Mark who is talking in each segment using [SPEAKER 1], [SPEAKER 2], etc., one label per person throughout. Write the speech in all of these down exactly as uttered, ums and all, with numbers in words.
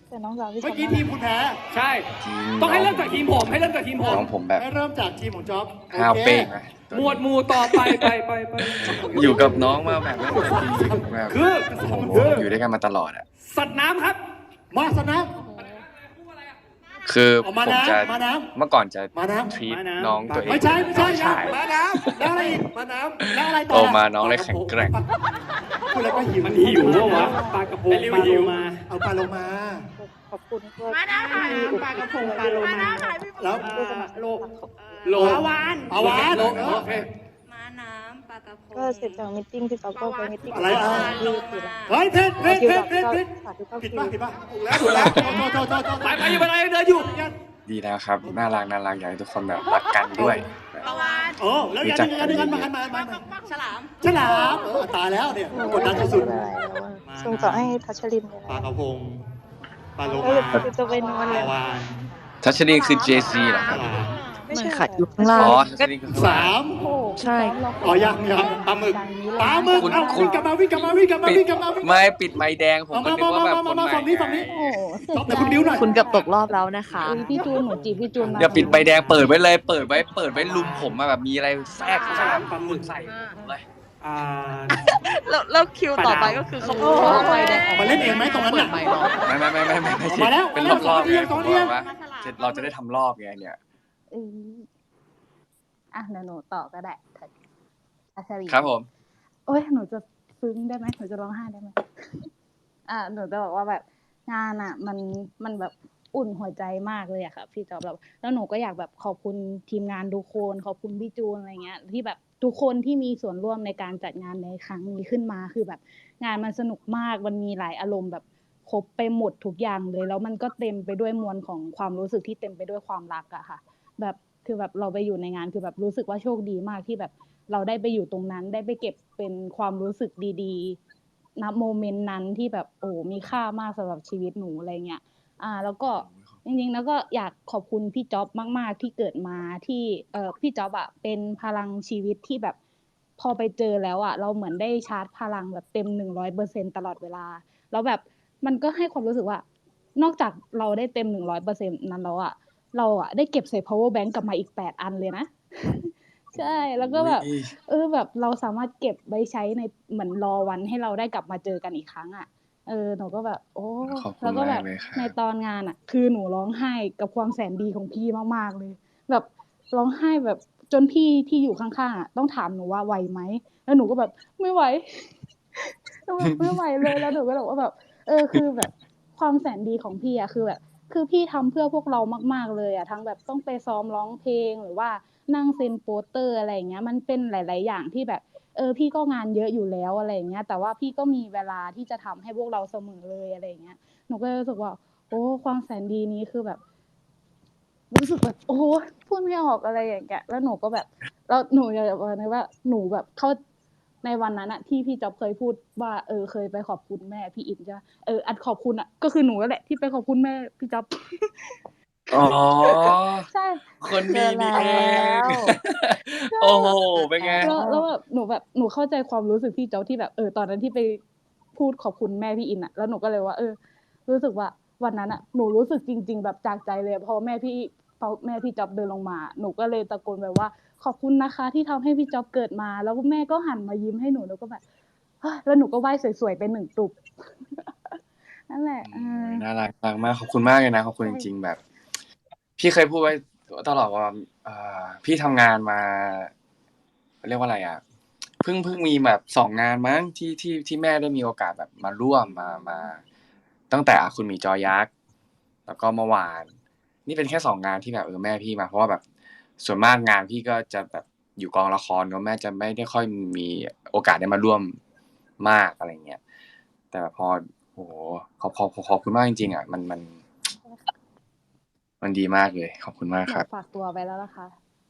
[SPEAKER 1] แต่น้องสาวพี่
[SPEAKER 2] เมื่อกี้ทีมคุณแพ้
[SPEAKER 3] ใช่
[SPEAKER 4] จริง
[SPEAKER 3] ต้องให้เริ่มจากทีมผมให้เริ่มจากทีมผม
[SPEAKER 4] น้องผมแบบ
[SPEAKER 2] ให้เริ่มจากทีมของจ๊อบ
[SPEAKER 4] ห้าวเป้งนะ
[SPEAKER 3] หมวดหมู่ต่อไปไปไปไป
[SPEAKER 4] อยู่กับน้องมาแบบตั้งแต่ปีแบบ
[SPEAKER 3] คือ
[SPEAKER 4] โอ้โหอยู่ด้วยกันมาตลอดอ่ะ
[SPEAKER 3] สัตว์น้ำครับ
[SPEAKER 2] มาสนะ
[SPEAKER 4] คือ
[SPEAKER 2] เอา
[SPEAKER 4] ผ
[SPEAKER 2] มาม น้ำ
[SPEAKER 4] จะ
[SPEAKER 2] มาน้
[SPEAKER 4] เมื่อก่อนจะ
[SPEAKER 2] มาน้ำ
[SPEAKER 4] ทรีต
[SPEAKER 3] มาน้ำ
[SPEAKER 4] น้องตัวเอง
[SPEAKER 2] ไม่ใช่ไม่ใช่
[SPEAKER 4] น้องชาย
[SPEAKER 2] มาน้ำแล้วอะไรอีกมาน้ำแล้วอะไรต่อ
[SPEAKER 4] โตมาน้องเลยแข็งแกร่ง
[SPEAKER 2] พูดแล้วก็หิว
[SPEAKER 3] มันหิวปะวะปลากระพง
[SPEAKER 2] ไอ้ริว
[SPEAKER 3] ปลาโล
[SPEAKER 2] หิว
[SPEAKER 3] มา
[SPEAKER 2] เอาปลาโลมา
[SPEAKER 1] ขอบคุณด้วย
[SPEAKER 5] มาแล้วค่ะ
[SPEAKER 1] ที่อุด
[SPEAKER 5] ปลากระพงปลาโลมา
[SPEAKER 2] แล้ว
[SPEAKER 1] ผู้สมัคร
[SPEAKER 3] โล
[SPEAKER 1] โล
[SPEAKER 3] โล
[SPEAKER 5] ปลาวาน
[SPEAKER 2] ปลาวาน
[SPEAKER 3] โลโอเค
[SPEAKER 5] ม้าน้ำปลากระพง
[SPEAKER 1] ก็เสร็จจากมิทติ้งพี่ต๊อบก็ไปมิทติ้ง
[SPEAKER 2] อะไรอ่ะ
[SPEAKER 1] ที่ศิลา
[SPEAKER 2] เฮ้ยเพชรเพชรเพชรเพชรเพชร
[SPEAKER 1] สาธุเก้า
[SPEAKER 2] ผิด
[SPEAKER 1] คิ
[SPEAKER 2] ป่ะ
[SPEAKER 1] ว
[SPEAKER 2] ผิดป่ะถูกแล้วถูกแล้วโทษโทษโทษโทษ
[SPEAKER 3] ไปไปอยู่ไปไหนเดินอยู่
[SPEAKER 4] ดีแล้วครับน่ารักน่ารักอยากให้ทุกคนแบบรักกันด้วยแบบ
[SPEAKER 5] ปลาวาน
[SPEAKER 2] โอ้แล้วอย่างนึงอันนึงอันมามามามา
[SPEAKER 5] ฉลาม
[SPEAKER 2] ฉลามเออตายแล้วเนี่ยกดดันสุด
[SPEAKER 1] อะไรแล้วอะส่งต่อให้ทัชลินเลย
[SPEAKER 2] ๆปลา
[SPEAKER 1] นะ
[SPEAKER 2] กระพงปลาโล
[SPEAKER 1] ก็
[SPEAKER 2] มา
[SPEAKER 1] จะไปนอน
[SPEAKER 2] ป
[SPEAKER 1] เล
[SPEAKER 2] ลาย วาน
[SPEAKER 4] ทัชนีคือ เจ ซี เหรอครับ
[SPEAKER 2] ฉลาม
[SPEAKER 1] ไม่
[SPEAKER 6] มัน
[SPEAKER 1] ใช่
[SPEAKER 6] ขัดอยู่ข้างล่าง
[SPEAKER 4] อ๋อทัชนีคือข้างล่า
[SPEAKER 2] สาง ม
[SPEAKER 1] โอ้
[SPEAKER 6] ใช่
[SPEAKER 2] อ๋อยังยังปลาหมึกปลาหมึกเอาวิ่งกลับมาวิ่งกลับมาวิ่งกลับมา
[SPEAKER 4] ปิด
[SPEAKER 2] วิ่งกลับมาวิ่ง
[SPEAKER 4] ไม่ปิดไม้แดงผม
[SPEAKER 2] เอา
[SPEAKER 4] ก็
[SPEAKER 2] มา
[SPEAKER 4] นึกว่าแบบ
[SPEAKER 2] มา
[SPEAKER 4] คน
[SPEAKER 2] มา
[SPEAKER 4] ให
[SPEAKER 2] ฝั่งนี้
[SPEAKER 4] ม่
[SPEAKER 2] ฝั่งนี้
[SPEAKER 1] โอ้เสร็จ
[SPEAKER 2] จ๊อบแต่คุณบิ้วหน่อย
[SPEAKER 6] คุณเกับตกรอบแล้วนะคะ
[SPEAKER 1] อุ๊ยพี่จูนหนูจีบพี่จูนมา
[SPEAKER 4] อย่าปิดใบแดงเปิดไว้เลย เปิดไว้เปิดไว้ลุมผมมาแบบมีอะไรแทรกเข้ามาปลาหมึกใส่ผมเลย
[SPEAKER 3] อ่า
[SPEAKER 6] แล้วแล้วคิวต่อไปก็คือเขาพูดว่าไปแดง
[SPEAKER 2] มาเล่นเองไหมตรงนั้น
[SPEAKER 6] เปิ
[SPEAKER 2] น่ะ
[SPEAKER 6] ดไมค์ร้อง
[SPEAKER 4] ไม่ไม่ไม่ไม่ไม่ไม่
[SPEAKER 2] มาแล้ว
[SPEAKER 4] เป็น
[SPEAKER 2] มาแล้ว
[SPEAKER 4] รอบๆไง
[SPEAKER 2] ส
[SPEAKER 4] ผ
[SPEAKER 2] อง
[SPEAKER 4] ม
[SPEAKER 2] เดือน
[SPEAKER 4] บอกว่าจะเราจะได้ทำรอบไงเนี่ย
[SPEAKER 1] เอออ่ะเดี๋ยวหนูต่อก็ได้ทัชลิน
[SPEAKER 4] ครับผม
[SPEAKER 1] โอ้ยหนูจะซึ้งได้ไหมหนูจะร้องไห้ได้ไหม อ่าหนูจะบอกว่าแบบงานอ่ะ มันมันแบบอุ่นหัวใจมากเลยอะค่ะพี่จอบแล้วแล้วหนูก็อยากแบบขอบคุณทีมงานทุกคนขอบคุณพี่จูนอะไรเงี้ย ที่แบบทุกคนที่มีส่วนร่วมในการจัดงานในครั้งนี้ขึ้นมาคือแบบ งานมันสนุกมากมันมีหลายอารมณ์แบบครบไปหมดทุกอย่างเลย แล้วมันก็เต็มไปด้วยมวลของความรู้สึกที่เต็มไปด้วยความรักอะค่ะ แบบคือแบบเราไปอยู่ในงานคือแบบรู้สึกว่าโชคดีมากที่แบบเราได้ไปอยู่ตรงนั้น ได้ไปเก็บเป็นความรู้สึกดีๆณโมเมนต์นั้นที่แบบโอ้มีค่ามากสำหรับชีวิตหนูอะไรเงี้ยอ่า แล้วก็จริงๆแล้วก็อยากขอบคุณพี่จ๊อบมากๆที่เกิดมาที่เอ่อพี่จ๊อบอะเป็นพลังชีวิตที่แบบพอไปเจอแล้วอะเราเหมือนได้ชาร์จพลังแบบเต็มหนึ่งร้อยเปอร์เซ็นตลอดเวลาแล้วแบบมันก็ให้ความรู้สึกว่า นอกจากเราได้เต็มหนึ่งร้อยเปอร์เซ็นต์นั้นแล้วอะเราอะได้เก็บใส่ power bank กลับมาอีกแปดอันเลยนะ ใช่แล้วก็แบบ
[SPEAKER 4] อุ๊ย
[SPEAKER 1] เออแบบเราสามารถเก็บไว้ใช้ในเหมือนรอวันให้เราได้กลับมาเจอกันอีกครั้งอ่ะเออหนูก็แบบ โอ้
[SPEAKER 4] ขอบคุณ
[SPEAKER 1] แล้วก็แบ
[SPEAKER 4] มา
[SPEAKER 1] บ
[SPEAKER 4] กเลยครับ
[SPEAKER 1] ในตอนงานอ่ะ คือหนูร้องไห้กับความแสนดีของพี่มากๆเลย แบบร้องไห้แบบจนพี่ที่อยู่ข้างๆอ่ะต้องถามหนูว่าไหวไหมแล้วหนูก็แบบไม่ไหว แบบไม่ไหวเลยแล้วหนูก็บอกว่าแบบ เออคือแบบความแสนดีของพี่อ่ะคือแบบ คือพี่ทำเพื่อพวกเรามากๆเลยอ่ะทั้งแบบต้องไปซ้อมร้องเพลงหรือว่านั่งเซ็นโปสเตอร์อะไรอย่างเงี้ยมันเป็นหลาย ๆ อย่างที่แบบ เออพี่ก็งานเยอะอยู่แล้วอะไรอย่างเงี้ยแต่ว่าพี่ก็มีเวลาที่จะทำให้พวกเราเสมอเลยอะไรอย่างเงี้ยหนูก็เลยรู้สึกว่า โอ้ความแสนดีนี้คือแบบ รู้สึกแบบโอ้พูดไม่ออกอะไรอย่างเงี้ยแล้วหนูก็แบบแล้วหนูอยากจะบอกนะว่าหนูแบบเข้าในวันนั้นอะที่พี่จ๊อบเคยพูดว่าเออเคยไปขอบคุณแม่พี่อินใช่ไหมเอออันขอบคุณอะก็คือหนูนั่นแหละที่ไปขอบคุณแม่พี่จ๊อบ
[SPEAKER 4] อ๋อ
[SPEAKER 1] ใช่
[SPEAKER 4] คนดีมีเอ
[SPEAKER 6] เจอแล้ว
[SPEAKER 4] ง โอ้โห เป็นไง
[SPEAKER 1] แล้วแล้วแบบหนูแบบหนูเข้าใจความรู้สึกพี่จ๊อบที่แบบเออตอนนั้นที่ไปพูดขอบคุณแม่พี่อินอะแล้วหนูก็เลยว่า เออ รู้สึกว่าวันนั้นอะหนูรู้สึกจริง ๆ แบบจากใจเลยพอแม่พี่พอแม่พี่จ๊อบเดินลงมา หนูก็เลยตะโกนแบบว่า ขอบคุณนะคะ ที่ทำให้พี่จ๊อบเกิดมา แล้วแม่ก็หันมายิ้มให้หนูแล้วก็แบบเฮ้ยแล้วหนูก็ไหว้สวยๆไปหนึ่งตุบ นั่นแหละเออ
[SPEAKER 4] น่ารักมากมากขอบคุณมากเลยนะขอบคุณจริงๆแบบ พี่เคยพูดไว้ตลอดว่าเอ่อพี่ทำงานมาเรียกว่าอะไรอ่ะเพิ่งเพิ่งมีแบบสองงานมั้งที่ที่ที่แม่ได้มีโอกาสแบบมาร่วมมามา ตั้งแต่คุณหมีจอยักษ์แล้วก็เมื่อวาน นี่เป็นแค่สองงานที่แบบเออแม่พี่มาเพราะว่าแบบส่วนมากงานพี่ก็จะแบบอยู่กองละครเนอะแม่จะไม่ได้ค่อยมีโอกาสได้มาร่วมมากอะไรเงี้ยแต่พอโอ้โหขอบขอบขอบคุณมากจริงๆอ่ะมันมัน มันดีมากเลยขอบคุณมาก
[SPEAKER 1] หนู
[SPEAKER 4] ครับ
[SPEAKER 1] ฝากตัวไปแล้วนะคะ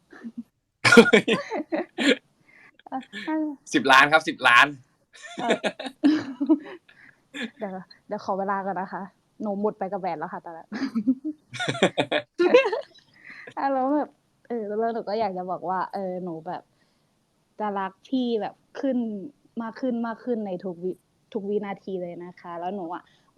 [SPEAKER 1] เออเออ
[SPEAKER 4] สิบล้านครับสิบล้าน
[SPEAKER 1] เออ เดี๋ยวเดี๋ยวขอเวลาก่อนนะคะ หนูหมดไปกับแหวนแล้วค่ะตอนนั้น อ่ะแล้วแบบเออแล้วหนูก็อยากจะบอกว่า เออหนูแบบจะรักพี่แบบขึ้นมากขึ้นมากขึ้นในทุกวิทุกวินาทีเลยนะคะ แล้วหนูอ่ะ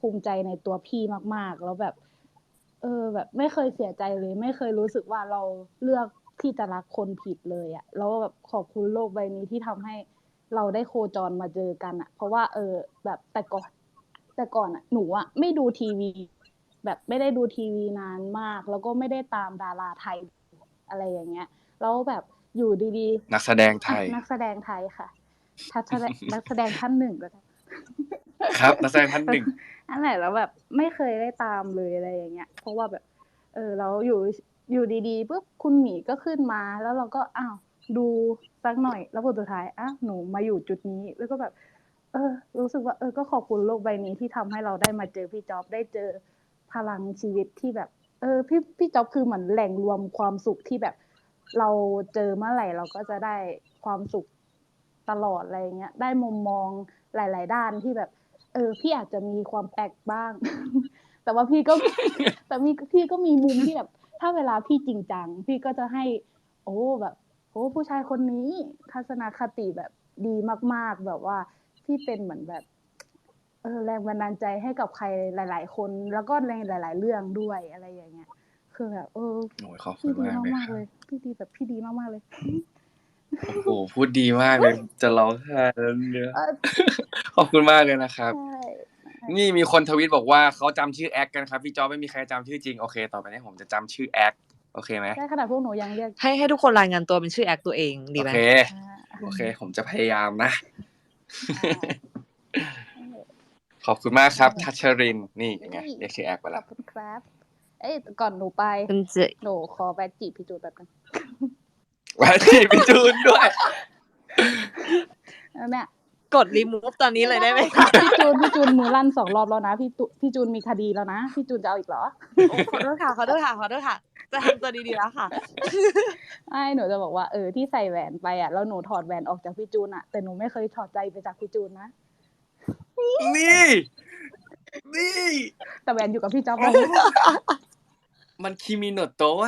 [SPEAKER 1] ภูมิใจในตัวพี่มากๆแล้วแบบ เออ แบบไม่เคยเสียใจเลย ไม่เคยรู้สึกว่าเราเลือกที่จะรักคนผิดเลยอะแล้วแบบขอบคุณโลกใบนี้ที่ทำให้เราได้โคจรมาเจอกันอะเพราะว่า เออ แบบแต่ก่อน แต่ก่อนอะหนูอะไม่ดูทีวี แบบไม่ได้ดูทีวีนานมาก แล้วก็ไม่ได้ตามดาราไทย อะไรอย่างเงี้ย แล้วแบบอยู่ดี
[SPEAKER 4] นักแสดงไท
[SPEAKER 1] ๆ อะ
[SPEAKER 4] ย
[SPEAKER 1] นักแสดงไทยค่ะ ทัศแด นักแสดงท่านหนึ่งก็ได้
[SPEAKER 4] ครับ นักแสดงท่านหนึ่ง
[SPEAKER 1] นั่นแหละ แล้วแบบไม่เคยได้ตามเลย อะไรอย่างเงี้ย เพราะว่าแบบ เออ แล้วอยู่ อยู่ดี ๆ ปุ๊บ คุณหมีก็ขึ้นมา แล้วเราก็ อ้าว ดูสักหน่อย แล้วผลสุดท้าย อ้าว หนูมาอยู่จุดนี้ แล้วก็แบบ เออ รู้สึกว่า เออ ก็ขอบคุณโลกใบนี้ที่ทำให้เราได้มาเจอพี่จ๊อบ ได้เจอพลังชีวิตที่แบบ เออ พี่ พี่จ๊อบคือเหมือนแหล่งรวมความสุขที่แบบเราเจอเมื่อไหร่เราก็จะได้ความสุขตลอด อะไรอย่างเงี้ย ได้มุมมองหลาย ๆ ด้านที่แบบ เออ พี่อาจจะมีความแปลกบ้าง แต่ว่าพี่ก็ แต่มี พี่ก็มีมุมที่แบบ ถ้าเวลาพี่จริงจัง พี่ก็จะให้ โอ้ แบบ โอ้ ผู้ชายคนนี้ทัศนคติแบบดีมาก ๆ แบบว่าพี่เป็นเหมือนแบบ เออ แรงบันดาลใจให้กับใครหลาย ๆ คน แล้วก็ในหลาย ๆ เรื่องด้วย อะไรอย่างเงี้ย คือแบบ เออ
[SPEAKER 4] โอ้โฮ ขอบคุ
[SPEAKER 1] พี่
[SPEAKER 4] ณ
[SPEAKER 1] ดี
[SPEAKER 4] มากเลย
[SPEAKER 1] มาก
[SPEAKER 4] ค
[SPEAKER 1] ๆ
[SPEAKER 4] ร
[SPEAKER 1] เ
[SPEAKER 4] ับ
[SPEAKER 1] ลย พี่ดีแบบพี่ดีมาก ๆ เลย
[SPEAKER 4] โอ้โฮ พูดดีมากเลย จะร้องไห้แล้วเนี่ย
[SPEAKER 1] เออ
[SPEAKER 4] ขอบคุณมากเลยนะครับ
[SPEAKER 1] ใช่ ใช่
[SPEAKER 4] นี่มีคนทวีตบอกว่า เขาจำชื่อแอ็กกันครับ พี่จ๊อบไม่มีใครจำชื่อจริง โอเค ต่อไปนี้ผมจะจำชื่อแอ็ก โอเคไหม?
[SPEAKER 1] ใช่ ขนาดพวกหนูยังเรียก
[SPEAKER 6] ให้ ให้ทุกคนรายงานตัวเป็นชื่อแอ็กตัวเองดี
[SPEAKER 4] โอ
[SPEAKER 6] ไหม?
[SPEAKER 4] เค
[SPEAKER 1] อา
[SPEAKER 4] โอเค ผมจะพยายามนะ
[SPEAKER 1] ใช่ นั่นแหละ
[SPEAKER 4] ขอบคุณมากค
[SPEAKER 1] นั่
[SPEAKER 4] รั
[SPEAKER 1] น
[SPEAKER 4] บ
[SPEAKER 1] แหละ
[SPEAKER 4] ทัชรินทร์ นี่
[SPEAKER 1] เฮ
[SPEAKER 4] เป็นไง
[SPEAKER 1] ้ย
[SPEAKER 4] เรียกชื่อแอ็กไป
[SPEAKER 1] ข
[SPEAKER 4] แล
[SPEAKER 1] อ้ บคุณครับ เอ๊ย แต่ก่อนหนูไป
[SPEAKER 6] มันจะ
[SPEAKER 1] หนูขอแวะจีบพี่จูนแป๊บหนึ่ง
[SPEAKER 4] แวะจีบพี่จูนด้วย
[SPEAKER 1] เออ เนี่ย
[SPEAKER 6] กด remove ตอนนี้
[SPEAKER 1] ไม่
[SPEAKER 6] เลย
[SPEAKER 1] ได้
[SPEAKER 6] ได้ไหม คะ?
[SPEAKER 1] พี่จูน พี่จูนมือลั่น สอง รอบแล้วนะ พี่ตุ พี่จูนมีคดีแล้วนะ พี่จูนจะเอาอีกเหรอ?
[SPEAKER 6] โอ้ ขอโทษค่ะ ขอโทษค่ะ ขอโทษค่ะ จะทำตัวดี ๆ แล้วค่ะ
[SPEAKER 1] ไม่ หนูจะบอกว่า เออ ที่ใส่แหวนไปอะ แล้วหนูถอดแหวนออกจากพี่จูนอะ แต่หนูไม่เคยถอดใจไปจากพี่จูนนะ
[SPEAKER 4] นี่ นี่
[SPEAKER 1] แต่แหวนอยู่กับพี่จ๊อบ
[SPEAKER 4] มัน คิมิโนโตะ อะ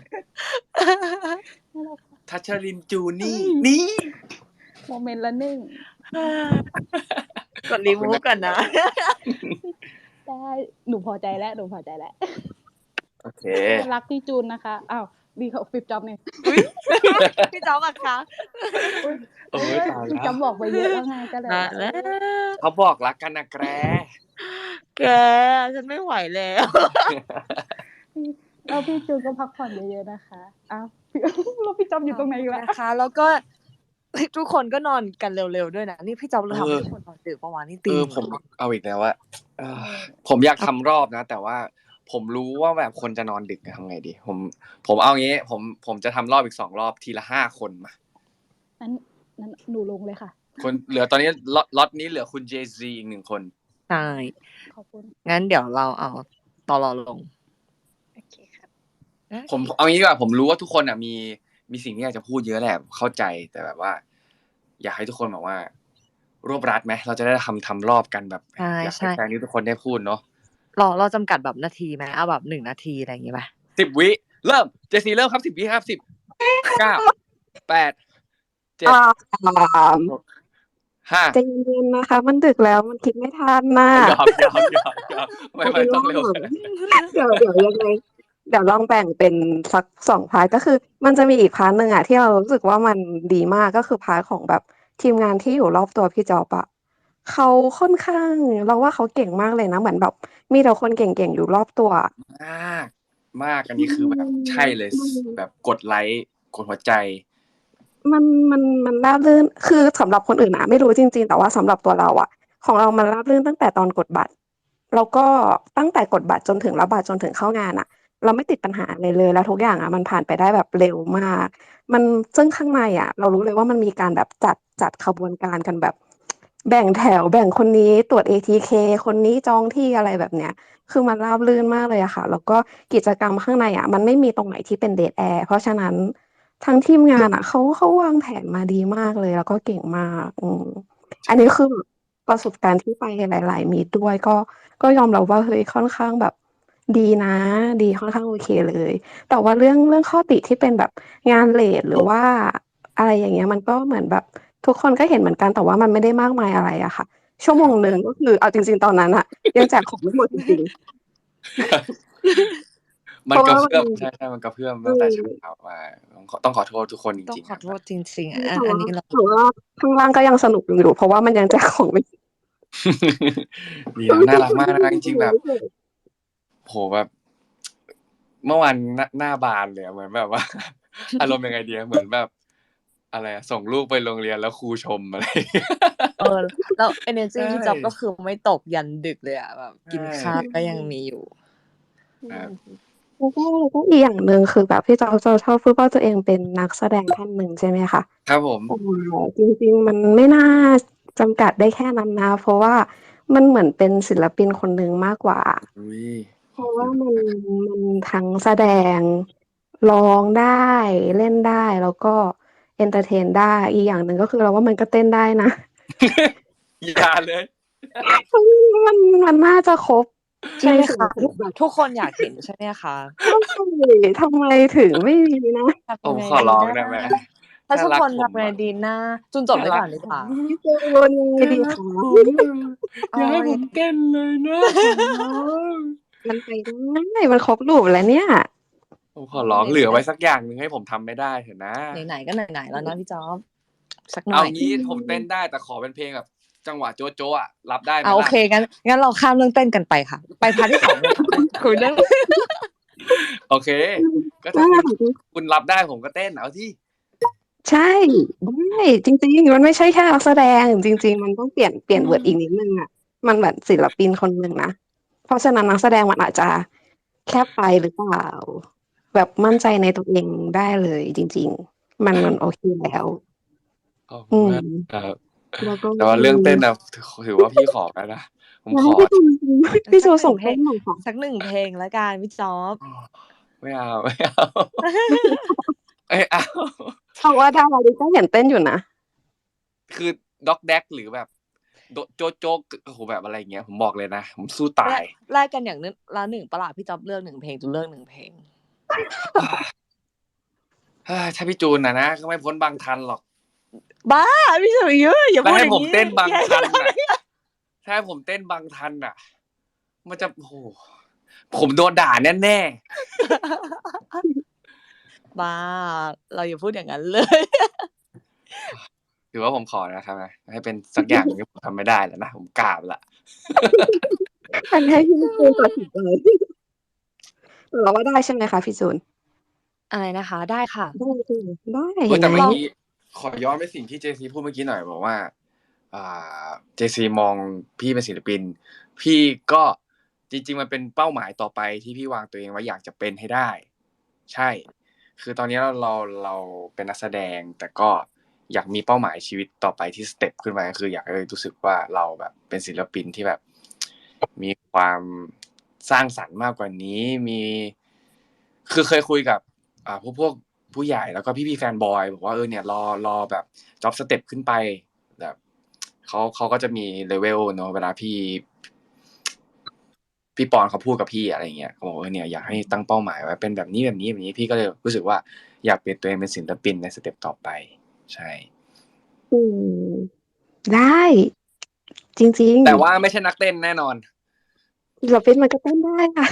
[SPEAKER 1] นั่นแหละค่ะ
[SPEAKER 4] ทัชรินทร์ จูน
[SPEAKER 1] เฮ้
[SPEAKER 4] ี่
[SPEAKER 1] ย
[SPEAKER 4] นี่
[SPEAKER 1] โมเมนต์ละหนึ่ง
[SPEAKER 6] กด remove ก่อนนะ
[SPEAKER 1] ได้ หนูพอใจแล้ว หนูพอใจแล้ว
[SPEAKER 4] โอเค
[SPEAKER 1] รักพี่จูนนะคะ อ้าว ดีกว่าพี่จ๊อบนี่
[SPEAKER 6] อุ๊ย พี่จ๊อบอะคะ
[SPEAKER 1] อุ๊ย
[SPEAKER 4] โอ๊ย
[SPEAKER 1] เออ
[SPEAKER 4] ตาย
[SPEAKER 1] พี่
[SPEAKER 4] แล้
[SPEAKER 1] จ๊อ
[SPEAKER 4] ว
[SPEAKER 1] บบอกไปเยอะแล้วไง ก็เลย
[SPEAKER 6] ตา
[SPEAKER 1] แบ
[SPEAKER 6] ย
[SPEAKER 1] บ
[SPEAKER 6] แล้
[SPEAKER 1] เออ
[SPEAKER 6] ว
[SPEAKER 4] เขาบอกรักกันนะแก
[SPEAKER 6] แก ฉันไม่ไหวแล้ว
[SPEAKER 1] พี่ แล้วพี่จูนก็พักผ่อนเยอะ ๆ นะคะ อ้าว แล้วพี่จ๊อบอยู่ตรงไหนอีก
[SPEAKER 6] ข
[SPEAKER 1] ล่ะ?
[SPEAKER 6] นะคะ แล้วก็ เฮ้ย ทุกคนก็นอนกันเร็ว ๆ ด้วยนะ นี่พี่จ๊อบ
[SPEAKER 4] เอ
[SPEAKER 6] เราทำให้
[SPEAKER 4] อ
[SPEAKER 6] ทุกคนนอนดึกเปล่าวะ นี่
[SPEAKER 4] เอ
[SPEAKER 6] ตี
[SPEAKER 4] อ
[SPEAKER 6] หนึ่ง
[SPEAKER 4] ผม
[SPEAKER 6] แล้ว
[SPEAKER 4] เอาอีกแล้วอะ เอ
[SPEAKER 1] เอ
[SPEAKER 4] อ
[SPEAKER 1] อ
[SPEAKER 4] ผมอยาก
[SPEAKER 6] ครั
[SPEAKER 4] ทำ
[SPEAKER 6] บ
[SPEAKER 4] รอบนะ แต่ว่าผมรู้ว่าแบบคนจะนอนดึกอะ ทำไงดี? ผม ผมเอางี้ ผม ผมจะทำรอบอีก สอง รอบ ทีละ ห้า คนมา
[SPEAKER 1] งั้น งั้นหนูลงเลยค่ะ
[SPEAKER 4] คน เหลือตอนนี้ ล็อต ล็อตนี้เหลือคุณ เจ ซี อีก หนึ่ง คน
[SPEAKER 6] ใช่
[SPEAKER 1] ขอบคุณ
[SPEAKER 6] งั้นเดี๋ยวเราเอา ตล. ลง
[SPEAKER 1] โอเคครับ
[SPEAKER 6] โอ
[SPEAKER 4] ผม
[SPEAKER 6] เค
[SPEAKER 4] เอางี้ดีกว่า ผมรู้ว่าทุกคนน่ะมี มีสิ่งที่อยากจะพูดเยอะแหละ เข้าใจ แต่แบบว่าอยากให้ทุกคนแบบว่ารวบรัดไหม? เราจะได้ทำ ทำรอบกันแบบ
[SPEAKER 6] ใ
[SPEAKER 4] อยาก
[SPEAKER 6] ช
[SPEAKER 4] ให้
[SPEAKER 6] ๆ
[SPEAKER 4] แฟนที่ทุกคนได้พูดเนาะ
[SPEAKER 6] เรา เราจำกัดแบบนาทีไหม? เอาแบบ หนึ่ง นาที อะไรอย่างงี้ไหม?
[SPEAKER 4] สิบ วิ เริ่ม เจ ซี เริ่มครับ สิบ วิครับ สิบ เก้า แปด เจ็ด
[SPEAKER 7] อ่า
[SPEAKER 4] หก ห้า
[SPEAKER 7] ใจเย็น ๆ นะคะ มันดึกแล้ว มันคิดไม่ทันน่ะ
[SPEAKER 4] หยอก ๆ ๆ ๆ ไม่
[SPEAKER 7] เอา
[SPEAKER 4] ไม่
[SPEAKER 7] เป็น
[SPEAKER 4] ต้อ
[SPEAKER 7] ว่าง
[SPEAKER 4] เร็วขนาดนั้น
[SPEAKER 7] เดี๋ยว เดี๋ยวยังไง เดี๋ยวลองแบ่งเป็นสัก สอง พาร์ต ก็คือมันจะมีอีก พาร์ต หนึ่งอะที่เรารู้สึกว่ามันดีมาก ก็คือ พาร์ต ของแบบทีมงานที่อยู่รอบตัวพี่จ๊อบอะ เขาค่อนข้าง เราว่าเขาเก่งมากเลยนะ เหมือนแบบมีแต่คนเก่ง ๆ อยู่รอบตัวอะ
[SPEAKER 4] มาก มาก อัน
[SPEAKER 7] อื
[SPEAKER 4] นี้คือแบบใช่
[SPEAKER 7] ม
[SPEAKER 4] เลย
[SPEAKER 7] มั
[SPEAKER 4] ส
[SPEAKER 7] น
[SPEAKER 4] แบบกดไลก์ กดหัวใจ
[SPEAKER 7] มัน มัน มันราบรื่น คือสำหรับคนอื่นอะไม่รู้จริง ๆ แต่ว่าสำหรับตัวเราอะ ของเรามันราบรื่นตั้งแต่ตอนกดบัตร แล้วก็ตั้งแต่กดบัตรจนถึงรับบัตรจนถึงเข้างานน่ะ เราไม่ติดปัญหาอะไรเลย แล้วทุกอย่างอะมันผ่านไปได้แบบเร็วมาก มัน ซึ่งข้างในอะเรารู้เลยว่ามันมีการแบบจัด จัดขบวนการกันแบบ แบ่งแถว แบ่งคนนี้ตรวจ เอ ที เค คนนี้จองที่ อะไรแบบเนี้ย คือมันราบรื่นมากเลยอะค่ะ แล้วก็กิจกรรมข้างในอะมันไม่มีตรงไหนที่เป็น dead air เพราะฉะนั้นทั้งทีมงานอะเขา เขาวางแผนมาดีมากเลย แล้วก็เก่งมาก อืม
[SPEAKER 4] ใช
[SPEAKER 7] อันนี้
[SPEAKER 4] ่
[SPEAKER 7] คือแบบประสบการณ์ที่ไปหลาย ๆ มีตด้วย ก็ ก็ยอมรับว่า เฮ้ย ค่อนข้างแบบดีนะ ดี ค่อนข้างโอเคเลย แต่ว่าเรื่อง เรื่องข้อติที่เป็นแบบงานเลต หรือว่าอะไรอย่างเงี้ย มันก็เหมือนแบบทุกคนก็เห็นเหมือนกัน แต่ว่ามันไม่ได้มากมายอะไรอะค่ะชั่วโมงหนึ่งก็คือเอาจริงๆตอนนั้นอะยังแจกของไม่หมดจริงๆ
[SPEAKER 4] มั
[SPEAKER 7] เพ
[SPEAKER 4] น
[SPEAKER 7] ราะ
[SPEAKER 4] กระ
[SPEAKER 7] ว่า
[SPEAKER 4] เพื่อม
[SPEAKER 7] มัน
[SPEAKER 4] ใช่ๆมันกระเพื่อม
[SPEAKER 7] อื
[SPEAKER 4] ตั้งแต่
[SPEAKER 7] ม
[SPEAKER 4] เช้ามา ต้องขอ ต้องขอโทษทุกคนจ
[SPEAKER 6] ต้อง
[SPEAKER 4] ริง ๆ
[SPEAKER 6] ขอ
[SPEAKER 4] ครับ
[SPEAKER 6] โทษจริง ๆ
[SPEAKER 7] ใช่
[SPEAKER 6] อัน
[SPEAKER 7] แต่
[SPEAKER 6] อัน
[SPEAKER 7] ว่า
[SPEAKER 6] นี้เรา
[SPEAKER 7] แต่ว่าข้างล่างก็ยังสนุกอยู่ เพราะว่ามันยังแจกของไม่
[SPEAKER 4] ดีนะ น่ารักมากนะ จริง ๆ แบบ โอ้โฮ แบบ เมื่อวานหน้า หน้าบานเลยอะ เหมือนแบบ ว่า อารมณ์ยังไงดีอะ เหมือนแบบ อะไรอะ ส่งลูกไปโรงเรียนแล้วครูชม อะไร อย่างเงี้ย
[SPEAKER 6] เออ แล้วเอเนอร์
[SPEAKER 4] ใช
[SPEAKER 6] จี พี่จ๊อบก็คือไม่ตกยันดึกเลยอะ แบบ
[SPEAKER 4] ใช
[SPEAKER 6] กินข้าวก็ยังมีอยู่
[SPEAKER 4] ครับ
[SPEAKER 7] แล้วก็ แล้วก็อีกอย่างหนึ่งคือแบบพี่จ๊อบจะชอบพูดว่าตัวเองเป็นนักแสดงท่านหนึ่ง ใช่ไหมคะ
[SPEAKER 4] ครับผม
[SPEAKER 7] แต่จริง ๆ มันไม่น่าจำกัดได้แค่นั้นนะ เพราะว่ามันเหมือนเป็นศิลปินคนหนึ่งมากกว่า
[SPEAKER 4] อุ๊ย
[SPEAKER 7] เพ
[SPEAKER 4] ขอ
[SPEAKER 7] ราะ
[SPEAKER 4] บ
[SPEAKER 7] ว
[SPEAKER 4] คุ
[SPEAKER 7] ่า
[SPEAKER 4] ณ
[SPEAKER 7] มัน
[SPEAKER 4] มาก
[SPEAKER 7] มันทั้งแสดง ร้องได้ เล่นได้ แล้วก็เอนเทอร์เทนได้ อีกอย่างหนึ่งก็คือเราว่ามันก็เต้นได้นะ
[SPEAKER 4] อย่าเลย
[SPEAKER 7] เฮ้ย มัน มันน่าจะครบ
[SPEAKER 6] ใช่ไหม
[SPEAKER 7] ส่ว
[SPEAKER 6] คะ
[SPEAKER 7] นข
[SPEAKER 6] ทุ
[SPEAKER 7] อก งแบบ
[SPEAKER 6] ทุกคนอยากเห็นใช่ไหมคะ?
[SPEAKER 7] ใช่ ทำไมถึงไม่มีนะ
[SPEAKER 6] ทำ
[SPEAKER 4] ผ
[SPEAKER 6] ยัง
[SPEAKER 4] ม
[SPEAKER 6] ไง
[SPEAKER 4] ขอ
[SPEAKER 6] ดี
[SPEAKER 4] ร้อง
[SPEAKER 6] นะ
[SPEAKER 4] ได้ไหม?
[SPEAKER 6] ถ้า
[SPEAKER 4] ถ้า
[SPEAKER 6] ทุก
[SPEAKER 4] รัก
[SPEAKER 6] คน
[SPEAKER 4] ผ
[SPEAKER 6] ทำ
[SPEAKER 4] ม
[SPEAKER 6] ยังไง
[SPEAKER 4] อะ
[SPEAKER 6] ดีนะ จูนจบ
[SPEAKER 4] ถ้า
[SPEAKER 6] ไว้
[SPEAKER 4] รั
[SPEAKER 6] ก่
[SPEAKER 4] ก
[SPEAKER 6] อนดี
[SPEAKER 4] ผ
[SPEAKER 6] กว่า
[SPEAKER 4] ม
[SPEAKER 7] พี่จูน ยังไง
[SPEAKER 4] ถ้า
[SPEAKER 7] ดี
[SPEAKER 4] รั
[SPEAKER 7] ค
[SPEAKER 4] ก
[SPEAKER 7] ะ?
[SPEAKER 4] ผมอะ
[SPEAKER 6] เอ
[SPEAKER 4] อย่าให้
[SPEAKER 6] า
[SPEAKER 4] ผ
[SPEAKER 6] ยั
[SPEAKER 4] มเต้นเลยนะ ขอร้อง
[SPEAKER 7] มันไปได้ มันครบ loop แล้วเนี่ย
[SPEAKER 4] ผมขอร้อง เหลือไว้สักอย่างหนึ่งให้ผมทำไม่ได้เถอะนะ
[SPEAKER 6] ไหน ๆ ก็ไหน ๆ แล้วนะพี่จ๊อบ สักห
[SPEAKER 4] เ
[SPEAKER 6] น
[SPEAKER 4] อ่า
[SPEAKER 6] อย
[SPEAKER 4] งี้ ผมเต้นได้ แต่ขอเป็นเพลงแบบจังหวะโจ๊ะ ๆ อะ รับได้ไหม
[SPEAKER 6] อา โอ
[SPEAKER 4] ล่ะ?
[SPEAKER 6] เค งั้น งั้นเราข้ามเรื่องเต้นกันไปค่ะ ไป พาร์ต ที่ สอง เลยค่ะ คุยเรื่อง
[SPEAKER 4] โอเค
[SPEAKER 7] อืม
[SPEAKER 4] ก็
[SPEAKER 7] อ
[SPEAKER 4] ถ้าคุณ
[SPEAKER 7] ของจริง
[SPEAKER 4] คุณรับได้ผมก็เต้น เอาสิ
[SPEAKER 7] ใช่ ได้ จริง ๆ มันไม่ใช่แค่นักแสดง จริง ๆ มันต้องเปลี่ยน เปลี่ยน word อีกนิดหนึ่งอะ มันเหมือนศิลปินคนหนึ่งนะ เพราะฉะนั้นนักแสดงมันอาจจะแคบไปหรือเปล่า แบบมั่นใจในตัวเองได้เลยจริง ๆ มัน มันโอเคแล้ว
[SPEAKER 4] ขอบคุ
[SPEAKER 7] อื
[SPEAKER 4] ณ
[SPEAKER 7] ม
[SPEAKER 4] มากครับ
[SPEAKER 7] แล้วก็
[SPEAKER 4] แต่ว่า
[SPEAKER 7] ม
[SPEAKER 4] เรื่องเต้นีน่ะ ถ ถือว่าพี่ขอแล้วนะ ผม
[SPEAKER 7] อยาก
[SPEAKER 4] ขอ
[SPEAKER 7] ให้พี่จูน จริง ๆ พี่
[SPEAKER 6] สัก หน
[SPEAKER 7] จูนสึ
[SPEAKER 6] ่
[SPEAKER 7] ่
[SPEAKER 6] ง
[SPEAKER 7] ง
[SPEAKER 6] เพ
[SPEAKER 7] เ
[SPEAKER 6] ลง
[SPEAKER 7] ต้นหน่อยค่ะ
[SPEAKER 6] สัก หนึ่ง เพลงแล้วกันพี่จ๊อบ
[SPEAKER 4] ไม่เอา ไม่เอา ไม่เอา
[SPEAKER 7] เราว่าดาราริก็เห็นเต้นอยู่นะ
[SPEAKER 4] คือด็อกแด๊ก หรือแบบ โดะ โจ๊ก ๆ โอ้โฮ แบบอะไรอย่างเงี้ย ผมบอกเลยนะ ผมสู้ตา
[SPEAKER 6] แลก
[SPEAKER 4] ย
[SPEAKER 6] แลกกันอย่างนึ ละ หนึ่ง เปล่าล่ะ พี่จ๊อบเลือก หนึ่ง เพลง จูนเลือก หนึ่ง เพลง
[SPEAKER 4] ถ้าพี่จูนอะนะ ก็ไม่พ้นบางทันหรอก
[SPEAKER 6] บ้า พี่สุริยุ อย่า
[SPEAKER 4] แล้
[SPEAKER 6] พู
[SPEAKER 4] ว
[SPEAKER 6] ด
[SPEAKER 4] ให
[SPEAKER 6] อ้ย่าง
[SPEAKER 4] ผม
[SPEAKER 6] งี้
[SPEAKER 4] เต้นบาง
[SPEAKER 6] อย่า
[SPEAKER 4] ทันน่ะ ถ้าให้ผมเต้นบางทันน่ะ มันจะ โอ้โฮ ผมโดนด่าแน่ ๆ
[SPEAKER 6] บ้า เราอย่าพูดอย่างนั้น เลย
[SPEAKER 4] ถือว่าผมขอนะครับนะ ให้เป็นสักอย่างหนึ่งที่ผมทำไม่ได้แล้วนะ ผมกราบแล้ว
[SPEAKER 7] อันให้พี่จูนตัดสินใจ แต่เราว่าได้ใช่ไหมคะพี่จูน?
[SPEAKER 6] อะไรนะคะ? ได้ค่ะ
[SPEAKER 7] ได้สิ ได้
[SPEAKER 4] เฮ
[SPEAKER 7] เ
[SPEAKER 4] ้
[SPEAKER 7] ห็
[SPEAKER 4] ย
[SPEAKER 7] น
[SPEAKER 4] แต่
[SPEAKER 7] ไหม?
[SPEAKER 4] เมื่อกี้ขอย้อนไปสิ่งที่ เจ ซี พูดเมื่อกี้หน่อย บอกว่า อ่า เจ ซี มองพี่เป็นศิลปิน พี่ก็ จริง ๆ มันเป็นเป้าหมายต่อไปที่พี่วางตัวเองไว้อยากจะเป็นให้ได้ ใช่ คือตอนนี้เรา เรา เราเป็นนักแสดง แต่ก็อยากมีเป้าหมายชีวิตต่อไปที่สเต็ปขึ้นไป ก็คืออยากให้รู้สึกว่าเราแบบเป็นศิลปินที่แบบ มีความสร้างสรรค์มากกว่านี้ มี คือเคยคุยกับ อ่า พวก พวกผู้ใหญ่ แล้วก็พี่ ๆ แฟนบอยบอกว่า เออ เนี่ย รอ รอแบบจ็อบสเต็ปขึ้นไป แบบ เขา เขาก็จะมี level เนาะ เวลาพี่ พี่ปอนเขาพูดกับพี่ อะไรอย่างเงี้ย เขาบอกว่า เนี่ย อยากให้ตั้งเป้าหมายไว้เป็นแบบนี้ แบบนี้ แบบนี้ พี่ก็เลยรู้สึกว่า อยากเปลี่ยนตัวเองเป็นศิลปินในสเต็ปต่อไป ใช่
[SPEAKER 7] อืม ได้ จริง
[SPEAKER 4] แต่ว่า
[SPEAKER 7] ๆ
[SPEAKER 4] ไม่ใช่นักเต้นแน่นอน
[SPEAKER 7] ศิลปินมันก็เต้นได้ ค่ะ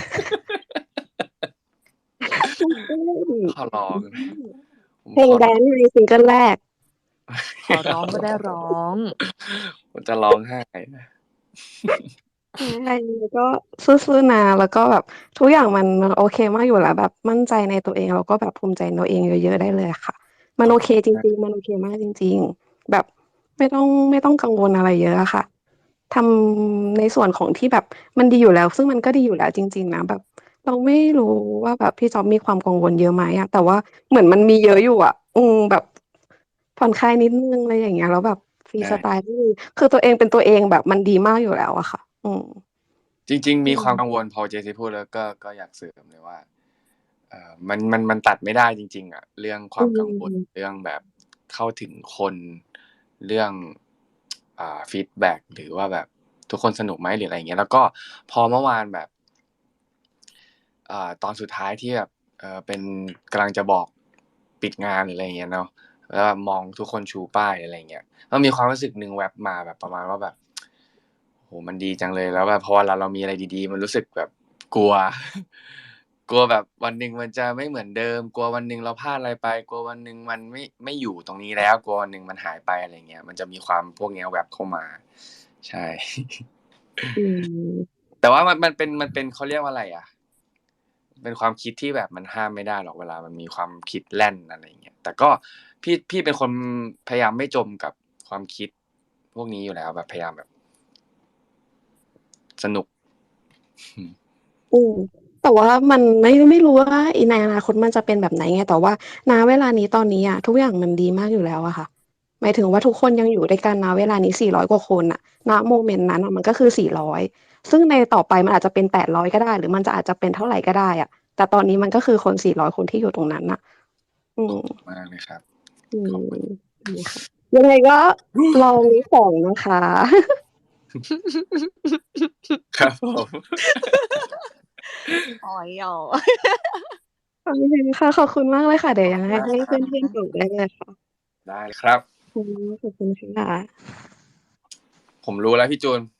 [SPEAKER 7] ต้องเต้น
[SPEAKER 4] ขอร้อง ผม
[SPEAKER 7] เพลง
[SPEAKER 4] ขอ
[SPEAKER 7] แดนซ์ไงซิงเกิลแรก
[SPEAKER 6] ขอร้องก็ได้ร้อง
[SPEAKER 4] ผมจะร้องไห้นะ
[SPEAKER 7] อะไร ก็สู้ ๆ นะ แล้วก็แบบทุกอย่างมัน มันโอเคมากอยู่แล้ว แบบมั่นใจในตัวเอง แล้วก็แบบภูมิใจในตัวเองเยอะ ๆ ได้เลยค่ะ มันโอเคจริง ๆ มันโอเคมากจริง ๆ แบบไม่ต้อง ไม่ต้องกังวลอะไรเยอะอะค่ะ ทำในส่วนของที่แบบมันดีอยู่แล้ว ซึ่งมันก็ดีอยู่แล้วจริง ๆ นะ แบบเราไม่รู้ว่าแบบพี่จ๊อบมีความกังวลเยอะไหมอะ แต่ว่าเหมือนมันมีเยอะอยู่อะ อืม แบบผ่อนคลายนิดหนึ่ง อะไรอย่างเงี้ย แล้วแบบฟรี
[SPEAKER 4] ใช่
[SPEAKER 7] สไตล์ ก็คือ คือตัวเองเป็นตัวเองแบบมันดีมากอยู่แล้วอะค่ะ อืม
[SPEAKER 4] จริง ๆ
[SPEAKER 7] อ
[SPEAKER 4] มี
[SPEAKER 7] ื
[SPEAKER 4] ความ
[SPEAKER 7] ม
[SPEAKER 4] กังวล พอ เจ ซี พูดแล้วก็ ก็อยากเสริมเลยว่า เอ่อ มัน มัน มันตัดไม่ได้จริง ๆ อะ เรื่องค
[SPEAKER 7] อื
[SPEAKER 4] วามกังวล
[SPEAKER 7] ม
[SPEAKER 4] เรื่องแบบเข้าถึงคน เรื่อง อ่า ฟีดแบ็ก หรือว่าแบบทุกคนสนุกไหม หรืออะไรอย่างเงี้ย แล้วก็พอเมื่อวานแบบ อ่า ตอนสุดท้ายที่แบบ เอ่อ เป็น กำลังจะบอกปิดงาน หรืออะไรอย่างเงี้ยเนาะ แล้วแบบมองทุกคนชูป้าย อะไรอย่างเงี้ย มันมีความรู้สึกหนึ่งแว็บมาแบบประมาณว่าแบบโหมันดีจังเลยแล้วแบบพอเวลาเรามีอะไรดีๆ มันรู้สึกแบบกลัว กลัวแบบวันหนึ่งมันจะไม่เหมือนเดิม กลัววันหนึ่งเราพลาดอะไรไป กลัววันหนึ่งมันไม่ไม่อยู่ตรงนี้แล้ว กลัววันหนึ่งมันหายไปอะไรเงี้ย มันจะมีความพวกเนี้ยแวบเข้ามา ใช่
[SPEAKER 7] อืม
[SPEAKER 4] แต่ว่ามันมันเป็นมันเป็นเขาเรียกว่าอะไรอะเป็นความคิดที่แบบมันห้ามไม่ได้หรอกเวลามันมีความคิดแล่นอะไรอย่างเงี้ยแต่ก็พี่พี่เป็นคนพยายามไม่จมกับความคิดพวกนี้อยู่แล้วแบบพยายามแบบ สนุก
[SPEAKER 7] อืมแต่ว่ามันไม่ไม่รู้ว่าในอนาคตมันจะเป็นแบบไหนไงแต่ว่าณเวลานี้ตอนนี้อะทุกอย่างมันดีมากอยู่แล้วอะค่ะหมายถึงว่าทุกคนยังอยู่ด้วยกันณเวลานี้สี่ร้อยกว่าคนน่ะณโมเมนต์นั้นน่ะมันก็คือสี่ร้อยซึ่งในต่อไปมันอาจจะเป็นแปดร้อยก็ได้หรือมันจะอาจจะเป็นเท่าไรก็ได้อะแต่ตอนนี้มันก็คือคนสี่ร้อยคนที่อยู่ตรงนั้นน่ะอืม
[SPEAKER 4] มากเลยครับ
[SPEAKER 7] อื
[SPEAKER 4] ขอบ
[SPEAKER 7] ม
[SPEAKER 4] คุณ
[SPEAKER 7] อืมค่ะยังไงก็ลองลิสต์สองนะคะ
[SPEAKER 4] ครับผม
[SPEAKER 6] อ๋อยหยอ
[SPEAKER 7] โอเคค่ะ ขอบคุณมากเลยค่ะ เดี๋ยว
[SPEAKER 4] ขอบ
[SPEAKER 7] ยัง
[SPEAKER 4] คุณ
[SPEAKER 7] ไง
[SPEAKER 4] มาก
[SPEAKER 7] ให้
[SPEAKER 4] ครั
[SPEAKER 7] เพื่
[SPEAKER 4] บ
[SPEAKER 7] อนๆตอบได้เลยค่ะ
[SPEAKER 4] ได้ครับ
[SPEAKER 7] อืมขอบคุณค่ะ
[SPEAKER 4] ผมรู้แล้วพี่จูน